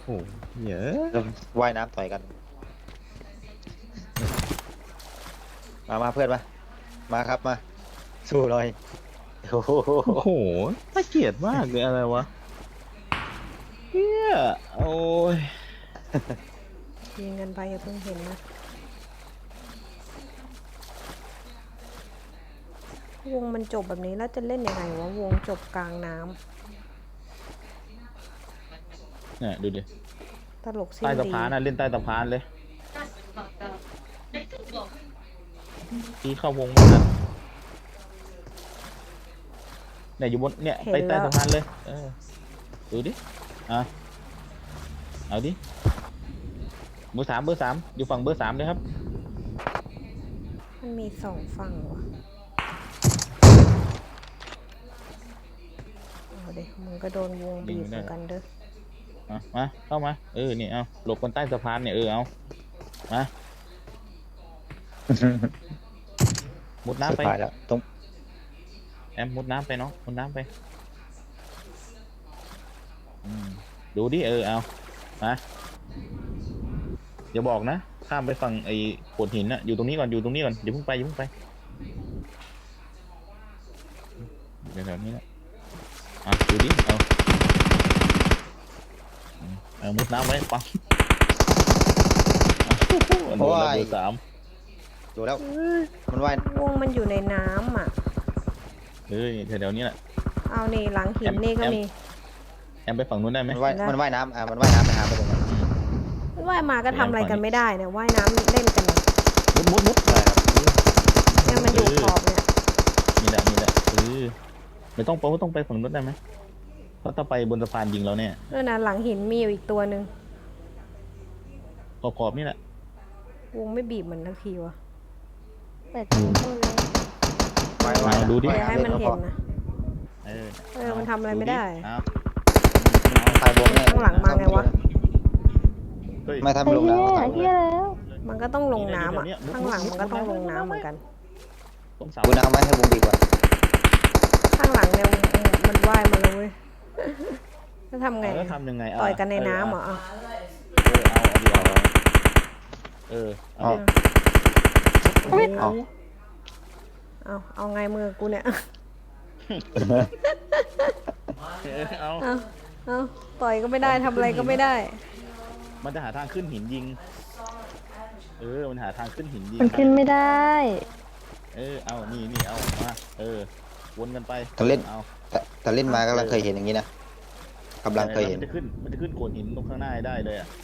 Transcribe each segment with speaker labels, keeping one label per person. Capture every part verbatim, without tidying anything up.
Speaker 1: โอ้เยอะ
Speaker 2: ว่ายน้ำต่อยกันมามาเพื่อนมามาครับมาสู้หน่อยโอ้โห
Speaker 1: โอ้โหน่าเกลียดมากเลยอะไรวะเฮียโอ้ย
Speaker 3: ยิงกันไปอย่าเพิ่งเห็นนะวงมันจบแบบนี้แล้วจะเล่นยังไงวะวงจบกลางน้ำ
Speaker 1: เนี่ยดูดิ
Speaker 3: ตลกสิ้น
Speaker 1: ใต้สะ
Speaker 3: ดี
Speaker 1: พานน่ะเล่นใต้สะพานเลยตีเข้าวงมันนะเนี่ยอยู่บนเนี่ยไปใต้สะพานเลยเออดูดิอ่ะเอาดิเบอร์สามเบอร์สามอยู่ฝั่งเบอร์สามเลยครับ
Speaker 3: มันมีสองฝั่งวะเอาเด็กมึงก็โดนวงบีบเหมือนกันเด้อ
Speaker 1: มามาเข้ามาเออนี่เอาหลบกันใต้สะพานเนี่ยเออเอามามุดน้ำไป
Speaker 2: สุดท้ายแล้วตรง
Speaker 1: แอมมุดน้ำไปเนาะมุดน้ำไปอืมดูดิเออเอามาอย่าบอกนะข้ามไปฝั่งไอ้โขดหินนะอยู่ตรงนี้ก่อนอยู่ตรงนี้ก่อนอย่าเพิ่งไปอย่าเพิ่งไปเดี๋ยวแถวนี้นะอ่ะดูดิเอาเอามุดน้ำไว้ปังโอ้ยเบอร์สาม
Speaker 2: ดูแล้วมันว่าย
Speaker 3: วงมันอยู่ในน้ำอ่ะ
Speaker 1: เฮ้ยแถวๆนี้แหละ
Speaker 3: เอานี่หลังหินนี่ก็มี
Speaker 1: แอมไปฝั่งนู้นได้ไหม
Speaker 2: มันว่ายมันว่ายน้ำอ่ะมันว่ายน้ำไปหาไปตรงนั้น
Speaker 3: ว่ายมาก็ทำอะไรกันไม่ได้เนี่ยว่ายน้ำเล่นกันเนี่ย
Speaker 1: มุดมุดมุด
Speaker 2: ใช่ครับ
Speaker 3: เนี่ยมันอยู่ขอบเนี่ย
Speaker 1: นี่แหละนี่แหละเออไม่ต้องไปไม่ต้องไปฝั่งนู้นได้ไหมเพราะถ้าไปบนสะพานยิงเราเนี่ย
Speaker 3: เออนะหลังหินมีอยู่อีกตัวหนึ่ง
Speaker 1: ขอบขอบนี่แหละ
Speaker 3: วงไม่บีบเหมือนทักทีวะ
Speaker 4: เปิดประตูเลย
Speaker 2: ว่ายว่าย
Speaker 1: ดูดิ
Speaker 3: อย่าให้มันเห็นนะ
Speaker 1: เออ
Speaker 3: เออมันทำอะไรไม่ได้
Speaker 1: เอา
Speaker 2: ตายวงแน่
Speaker 3: ข้างหลังมาไงวะ
Speaker 1: เฮ้ย
Speaker 2: ไม่
Speaker 4: ไอ้
Speaker 2: ทำลง
Speaker 4: เหี้ย
Speaker 2: น้ำ
Speaker 4: เหี้ยแล้ว
Speaker 3: มันก็ต้องลงน้ำอ่ะข้างหลังมันก็ต้องลงน้ำเหมือนกัน
Speaker 1: ตรงเสา
Speaker 2: ดูน้ำไหมให้วงดีกว่า
Speaker 3: ข้างหลังเนี่ยมันว่ายมาแล้วเว้ยจะทำไง
Speaker 1: เออทำยังไง
Speaker 3: ต่อยกันในน้ำเหรออ่ะ
Speaker 1: เออเอาเอาเอาเออเอา
Speaker 2: เอา
Speaker 1: ดิ
Speaker 2: เอา
Speaker 3: เอาเอาไงมือกูเนี่ย
Speaker 1: เออเอา
Speaker 3: เอาเอาต่อยก็ไม่ได้ทำอะไรก็ไม่ได้
Speaker 1: มันจะหาทางขึ้นหินยิงเออมันหาทางขึ้นหินยิง
Speaker 4: มันขึ้นไม่ได้
Speaker 1: เออเอานี่นี่เอามาเออวนกันไป
Speaker 2: แต่เล่น
Speaker 1: เอา
Speaker 2: แต่แต่เล่นมาก็เคยเห็นอย่างนี้นะกำลังเคยเห็น
Speaker 1: มันจะขึ้นมันจะขึ้นโขดหินตรงข้างหน้าได้เลยอ่ะ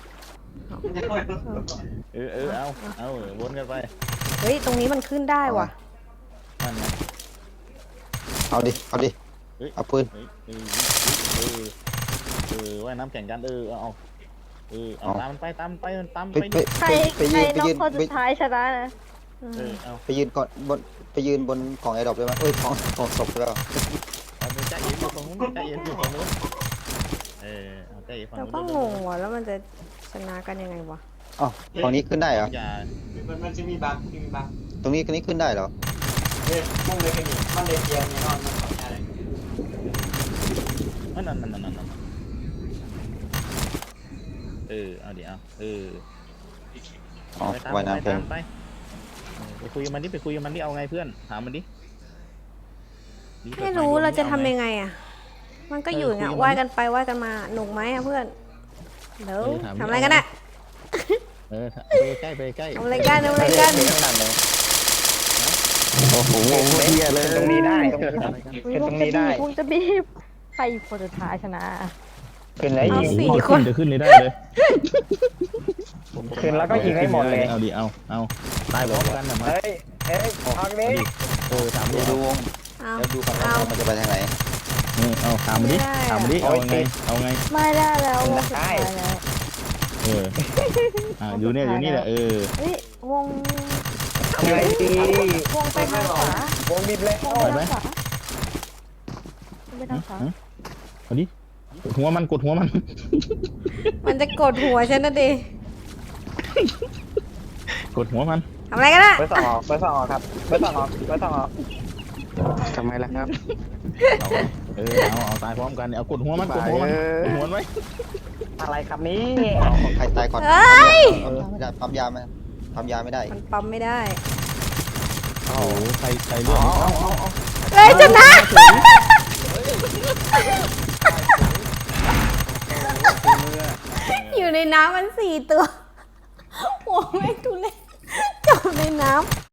Speaker 1: เออเออเอาเอาวนกันไป
Speaker 3: เฮ้ยตรงนี้มันขึ้นได้ว่ะ
Speaker 1: นั่นไง
Speaker 2: เอาดิเอาดิ
Speaker 1: เฮ้ย
Speaker 2: เอาปืน
Speaker 1: เฮ้ยเออเออเออว่ายน้ำแข่งกันเออเอาเออเอาตามมันไปตามมันไปตามมัน
Speaker 2: ไป
Speaker 1: ไป
Speaker 2: ไป
Speaker 4: ใคร
Speaker 2: ไป
Speaker 4: ใคร
Speaker 2: ยืนไป
Speaker 4: น้อง
Speaker 2: ยืน
Speaker 4: คน
Speaker 2: ไป
Speaker 4: สุดท้ายชนะนะ
Speaker 1: เออเอา
Speaker 2: ไปยืนก่อนบนไปยืนบนของไอ้ดอกได้ไหมเอ้ยของของศพได้ป่ะ
Speaker 1: เอาไปใจเย็นอยู่ฝั่งนู้นใจเย็นอยู่ฝั่งนู้นเออเอาใจเย็นฝั่ง
Speaker 3: เรา
Speaker 1: นู้น
Speaker 3: ก็งงว่ะแล้วมันจะชนะกันยังไงวะ
Speaker 2: อ๋อฝั่งนี้ขึ้นได้เหรอ
Speaker 1: อย่า
Speaker 5: มันมันจะมีบั๊กมีบั๊ก
Speaker 2: ตรงนี้ตรงนี้ขึ้นได้เหรอ
Speaker 5: เฮ้ยมุ่งเลยกันดิมันเลยเกียร์เนี่ยนอนมันขอใช้อะไร
Speaker 1: นั่นนั่นนั่นนั่นนั่นเออเอาดิเอาเออ
Speaker 2: อ๋อ
Speaker 1: ไปตาม
Speaker 2: ว่าย
Speaker 1: ไป
Speaker 2: น้ำเพล
Speaker 1: ตาง มไปเออไปคุยกับมันดิไปคุยกับมันดิเอาไงเพื่อนถามมันดิดิ
Speaker 3: ไม่รู้เราจะทำยังไงอ่ะ มันก็อยู่อย่างเงี้ยว่ายกันไปว่ายกันมาหนุกไหมอ่ะเพื่อนเดี๋ยวทำอะไรกันอ่ะ
Speaker 1: เออไปใกล้ไปใกล้
Speaker 3: ทำอะไรกันทำอะไรกัน
Speaker 2: โอ้โหงงเฮียเลย
Speaker 5: ตรงนี้ได้
Speaker 4: วิวงจะบีบวงจะบีบใครคนสุดท้ายชนะ
Speaker 5: ขึ้นแล้ว
Speaker 3: เอา
Speaker 5: ยิง
Speaker 3: สี่
Speaker 1: โอ้โห
Speaker 3: คน
Speaker 1: จะขึ้นเลยได้เลย
Speaker 5: ขึ้นแล้วก็ยิงให้หมดเลย
Speaker 1: เอาดิเอาเอาตายพร้อมกันนะมา
Speaker 5: เฮ้ยเฮ้ยพักนี้
Speaker 1: เออถามดิ
Speaker 2: ดูวง
Speaker 3: เอา
Speaker 2: แล้วดูฝั่ง
Speaker 3: เอา
Speaker 2: นู้นมันจะไปทางไหน
Speaker 1: เออเอาถามมาดิถามมาดิเอาไงเอาไง
Speaker 4: ไม่ได้แล้ววงสุดท้ายแล้ว
Speaker 1: เอออ่าอยู่เนี่ยอยู่นี่แหละเออ
Speaker 4: เฮ้ย วง
Speaker 5: ไงดี
Speaker 4: วงไปทางขวาว
Speaker 5: งบิดแล้ว
Speaker 4: วงไปทางขวาไปทางขวา
Speaker 1: เอาดิกดหัวมันกดหัวมัน
Speaker 3: มันจะกดหัวฉันนะดิ
Speaker 1: กดหัวมัน
Speaker 3: ทำอะไรกันอ่ะ
Speaker 5: เบอร์สองออกเบอร์สองออกครับเบอร์สองออกเบอร์สองออก
Speaker 2: ทำไมล่ะครับ
Speaker 1: เอาเออเอาเอาตายพร้อมกันเอากดหัวมันกดหัวมันกดหัวมันไว้
Speaker 5: อะไรครับนี้
Speaker 2: ใครตายก่อน
Speaker 3: เฮ้ย
Speaker 2: ปั๊มยาไม่ได้ปั๊มยาไม่ได้
Speaker 3: มันปั๊มไม่ได้
Speaker 1: โอ้โหใครใครเลือด
Speaker 3: เฮ้ยชนะ อยู่ในน้ำมันสี่ตัว โอ้ไม่งทุเรศจมในน้ำ